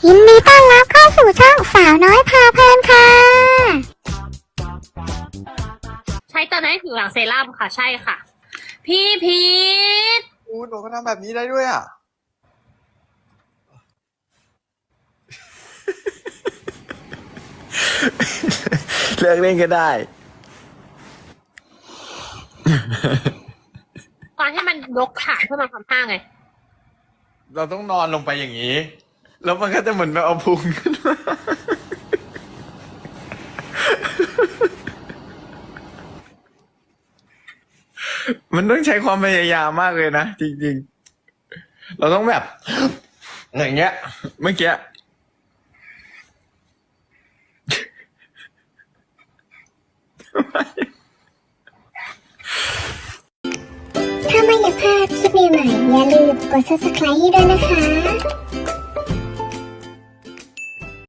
ยินดีต้อนรับเข้าสู่ช่องสาวน้อยพาเพลินค่ะใช้ตอนนั้นผิวหลังเซรั่มค่ะใช่ค่ะพี่พีทหนูก็ทำแบบนี้ได้ด้วยอ่ะเลิกเล่นก็ได้ตอนให้มันยกฐานเพื่อมาทำท่าไงเราต้องนอนลงไปอย่างนี้ แล้วมันก็จะเหมือนแบบเอาพุงขึ้นมา มันต้องใช้ความพยายามมากเลยนะจริงๆ เราต้องแบบ อย่างเงี้ย เมื่อกี้ถ้าไม่อยากพลาดคลิปใหม่ๆอย่าลืมกด subscribe ให้ด้วยนะคะ